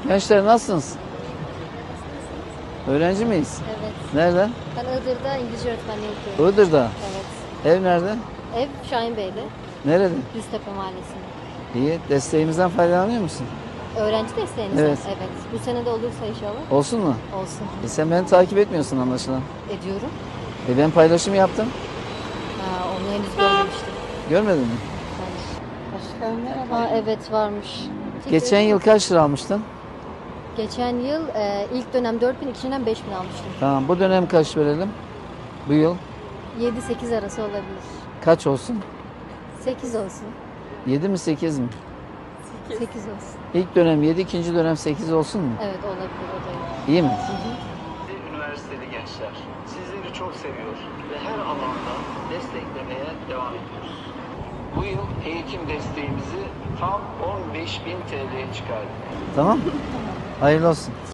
Gençler nasılsınız? Öğrenci miyiz? Evet. Nerede? Ben Iğdır'da İngilizce öğretmenliği yapıyorum. Iğdır'da. Evet. Ev nerede? Ev Şahinbey'de. Nerede? Düztepe Mahallesi'nde. İyi. Desteğimizden faydalanıyor musun? Öğrenci desteğiniz mi? Evet. Evet. Bu sene de olursa inşallah. Olsun mu? Olsun. Sen beni takip etmiyorsun anlaşılan. Ediyorum. Ben paylaşım yaptım. Ha, onu henüz görmemiştim. Görmedin mi? Başkanım merhaba. Ha, evet varmış. Geçen yıl kaç lira almıştın? Geçen yıl ilk dönem 4.000, ikinci dönem 5.000 almıştım. Tamam. Bu dönem kaç verelim? Bu yıl 7-8 arası olabilir. kaç olsun? 8 olsun. 7 mi 8 mi? 8 olsun. İlk dönem 7, ikinci dönem 8 olsun mu? Evet olabilir o da iyi. İyi mi? Üniversiteli gençler sizleri çok seviyor ve her alanda desteklemeye devam ediyoruz. Bu yıl eğitim desteğimizi tam 15.000 TL'ye çıkardık. Tamam. Hayırlı olsun.